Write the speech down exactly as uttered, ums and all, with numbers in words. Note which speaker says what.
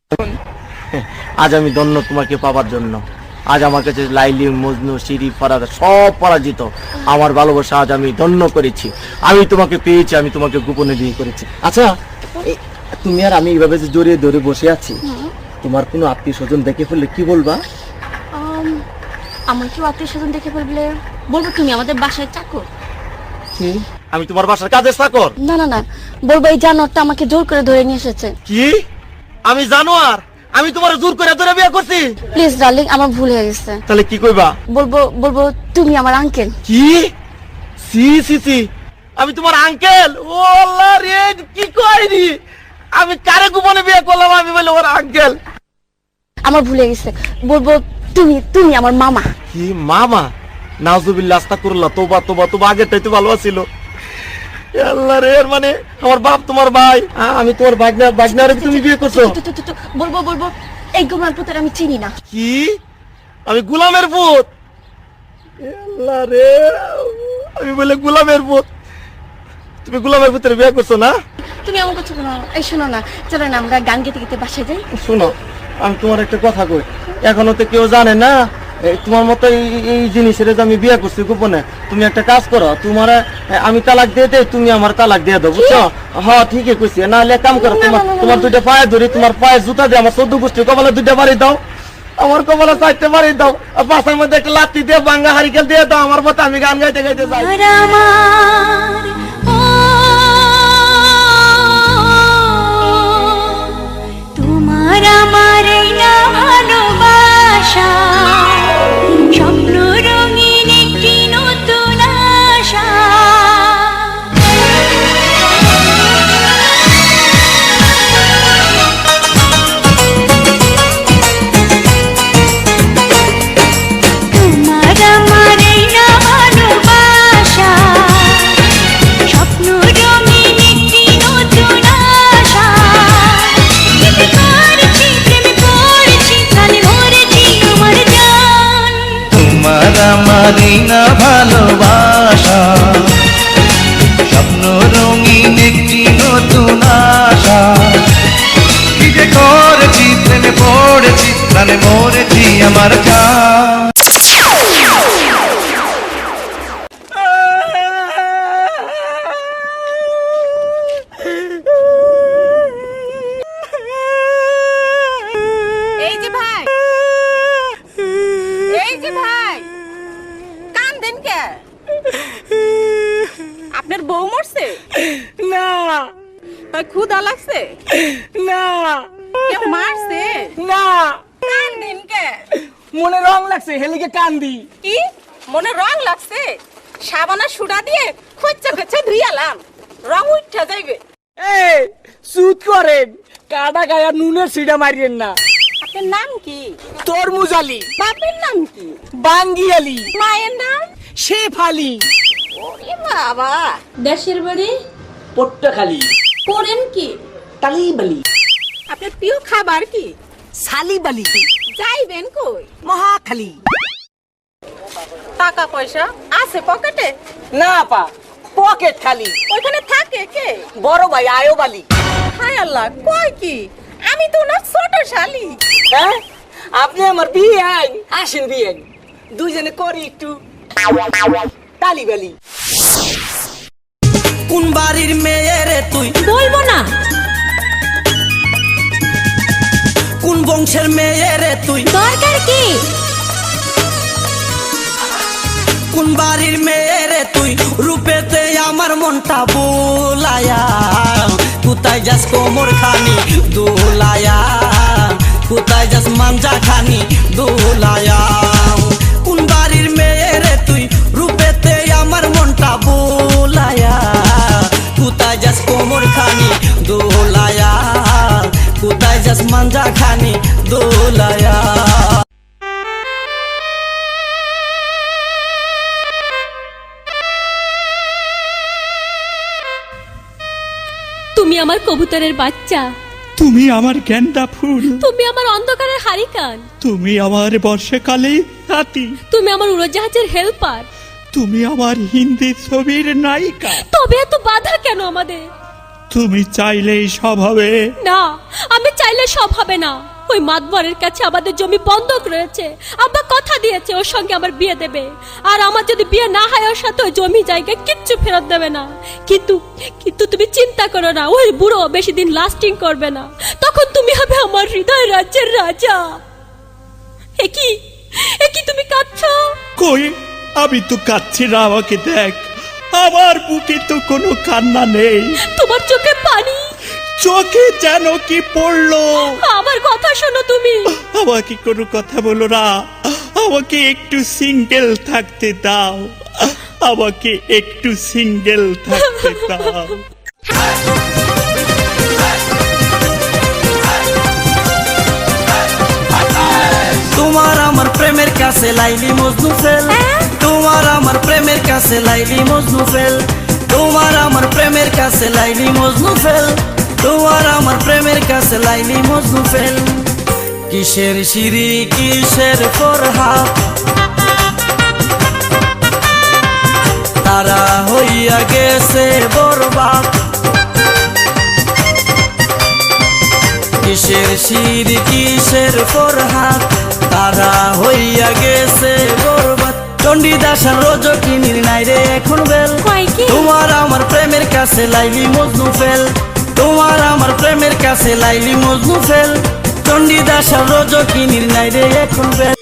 Speaker 1: আজ আমি ধন্য তোমাকে পাবার জন্য। আজ আমার কাছে লাইলি, মজনু, শিরি, ফারাদ সব পরাজিত। আমার ভালোবাসা আজ আমি ধন্য করেছি। আমি তোমাকে পেয়েছি, আমি তোমাকে গোপনে বিয়ে করেছি। আচ্ছা, তুমি আর আমি এইভাবে যে জড়িয়ে ধরে বসে আছি, তোমার কোনো আত্মীয় স্বজন দেখে ফেললে কি বলবা?
Speaker 2: আমার কেউ আত্মীয় স্বজন দেখে ফেললে বলবো তুমি আমাদের বাসায় চাকর।
Speaker 1: আমি তোমার বাসার কাজের চাকর?
Speaker 2: না না না, বলবো এই জানোয়ারটা আমাকে জোর করে ধরে নিয়ে এসেছে।
Speaker 1: কি? আমি জানোয়ার? আমি তোমার জোর করে ধরে বিয়ে করছি?
Speaker 2: প্লিজ ডার্লিং, আমার ভুল হয়ে গেছে।
Speaker 1: তাহলে কি কইবা?
Speaker 2: বলবো বলবো তুমি আমার আঙ্কেল।
Speaker 1: কি? সি সি সি, আমি তোমার আঙ্কেল? ও আল্লাহ রে, কি কইনি আমি? কারে গোপনে বিয়ে করলাম? আমি বলে ওর আঙ্কেল?
Speaker 2: আমার ভুল হয়ে গেছে। বলবো তুমি তুমি আমার মামা।
Speaker 1: কি মামা? নাউজুবিল্লাহ, আস্তাগফিরুল্লাহ, তোবা তোবা তোবা, আগেরটাই তো ভালো ছিল। আল্লাহ রে, মানে আমার বাপ তোমার ভাই, আমি তোমার ভাগনা, ভাগনারে তুমি বিয়ে করছো?
Speaker 2: বলবো বলবো এই গোলামের পুত্র আমি চিনি না।
Speaker 1: কি? আমি গোলামের পুত? আল্লাহ রে, আমি বলে গোলামের পুত? তুমি গোলামের পুত্রে বিয়ে করছো না?
Speaker 2: তুমি এমন কিছু না। এই শোনো না, চলো না আমরা গান গেতে গেতে বাসায় যাই।
Speaker 1: শোনো, আমি তোমার একটা কথা কই, এখনো তো কেউ জানে না তোমার মতো এই জিনিসের যে আমি বিয়ে করছি গোপনে। তুমি একটা কাজ করো, তোমার আমি তালাক দিয়ে দেই, তুমি আমার তালাক দিয়ে দাও, বুঝছো? হ্যাঁ ঠিকই কইছি। না হলে কাম করো, তোমার তোমার দুইটা পায়ে ধরি, তোমার পায়ে জুতা দিয়ে আমার চোদ্দ গোষ্ঠী কপালে দুইটা বাড়ি দাও, আমার কপালে চারটে বাড়ি দাও, আর পাশের মধ্যে একটা লাত্তি দিয়ে ভাঙ্গা হারিকেল দিয়ে দাও আমার মতো, আমি গান গাইতে গাইতে যাই।
Speaker 3: তোমার আমার না ভালোবাসা, স্বপ্ন রঙিন একটি নতুন আশা। তোমার আমার না ভালোবাসা, স্বপ্ন রঙিন একটি নতুন আশা।
Speaker 4: তোমার আমারই না ভালোবাসা, স্বপ্ন রঙিন একটি নতুন আশা। কি যে করেছি, প্রেমে পড়েছি, প্রাণে মরেছি আমার জান।
Speaker 5: এই যে ভাই, এই যে ভাই, কান্দেন কে? আপনার বউ মরছে?
Speaker 6: না
Speaker 5: ভাই ক্ষুধা লাগছে?
Speaker 6: না
Speaker 5: কেউ মারছে?
Speaker 6: না,
Speaker 5: কান্দেন কে?
Speaker 6: মনে রং লাগছে, হেলিকে কান্দি।
Speaker 5: কি মনে রং লাগছে? সাবানা সুডা দিয়ে খচ্চা খচ্চা ধুইয়ালাম, রং উঠা যাইবে।
Speaker 6: এই সুদ করেন, কাটা গায়া নুনের সিডা মারিয়েন না।
Speaker 5: আপনার নাম কি?
Speaker 6: তরমুজ আলী।
Speaker 5: বাপের নাম কি?
Speaker 6: বাঙ্গি আলী।
Speaker 5: মায়ের নাম?
Speaker 6: শেফ আলী।
Speaker 5: ওরে বাবা।
Speaker 2: দেশের বাড়ি
Speaker 6: পট্টখালি।
Speaker 2: পড়েন কি?
Speaker 6: তালিবালি।
Speaker 5: আপনার প্রিয় খাবার কি?
Speaker 6: সালিবালি।
Speaker 5: যাইবেন কই?
Speaker 6: মহাখালী।
Speaker 5: টাকা পয়সা আছে পকেটে?
Speaker 6: না পা, পকেট খালি।
Speaker 5: ওইখানে থাকে কে?
Speaker 6: বড় ভাই আয়োবালি।
Speaker 5: হায় আল্লাহ, কয় কি? আমি তো না ছোট শালি।
Speaker 6: হ্যাঁ, আপনি আমার বিয়ে আইন, আসেন বিয়ে আইন, দুইজনে করি একটু তালিবালি।
Speaker 4: কোন বাড়ির মেয়ে রে তুই?
Speaker 3: বলবো না।
Speaker 4: কোন বংশের মেয়ে রে তুই?
Speaker 3: দরকার কি?
Speaker 4: কোন বাড়ির মেয়ে রে তুই? রূপেতে আমার মনটা বোলায়া, কোথায় যাস কোমর খানি দোলায়া, কোথায় যাস মাঞ্জা খানি দোলায়া। কোন বাড়ির মেয়ে রে তুই? রূপেতে আমার মনটা বোলায়া, কোথায় যাস কোমর খানি দোলায়া, কোথায় যাস মাঞ্জা খানি দোলায়া।
Speaker 7: তুমি আমার কবুতরের বাচ্চা,
Speaker 8: তুমি আমার গেন্দা ফুল,
Speaker 7: তুমি আমার অন্ধকারের হারিকান,
Speaker 8: তুমি আমার বর্ষাকালে হাতি,
Speaker 7: তুমি আমার উড়োজাহাজের হেল্পার,
Speaker 8: তুমি আমার হিন্দি ছবির নায়িকা।
Speaker 7: তবে এত বাধা কেন আমাদের?
Speaker 8: তুমি চাইলেই সব হবে।
Speaker 7: না, আমি চাইলে সব হবে না। ওই মাতবরের কাছে আমাদের জমি বন্ধক রয়েছে। আব্বা কথা দিয়েছে ওর সঙ্গে আমার বিয়ে দেবে, আর আমার যদি বিয়ে না হয় ওর সাথে ওই জমি জায়গা কিচ্ছু ফেরত দেবে না। কিন্তু কিন্তু তুমি চিন্তা করো না, ওই বুড়ো বেশি দিন লাস্টিং করবে না। তখন তুমি হবে আমার হৃদয় রাজ্যের রাজা। একই একই তুমি কাঁদছো?
Speaker 8: কই, আমি তো কাঁদছি না, আমাকে দেখ, আমার বুকে তো কোনো কান্না নেই।
Speaker 7: তোমার চোখে পানি,
Speaker 8: চোখে যেন কি পড়লো।
Speaker 7: আমার কথা শোনো তুমি।
Speaker 8: আমাকে কোনো কথা বলো না, আমাকে একটু সিঙ্গেল থাকতে দাও, আমাকে একটু সিঙ্গেল থাকতে দাও।
Speaker 4: তোমার আমার প্রেমের কাছে লাইলি মজনু ফেল, তোমার আমার প্রেমের কাছে লাইলি মজনু ফেল, তোমার আমার প্রেমের কাছে লাইলি মজনু ফেল, তোমার আমার প্রেমের কাছে লাইলি মজনু ফেল। কিসের সিঁড়ি কিসের ফরহাদ, তারা হইয়া গেছে বরবাদ। কিসের সিঁড়ি কিসের ফরহাদ, তারা হইয়া গেছে বরবাদ। চণ্ডীদাস আর রজকিনীর নাই রে এখন বেল, তোমার আমার প্রেমের কাছে লাইলি মজনু ফেল, তোমার আমার প্রেমের কাছে লাইলি মজনু ফেল। চণ্ডীদাস আর রজকিনীর নাই রে এখন বেল।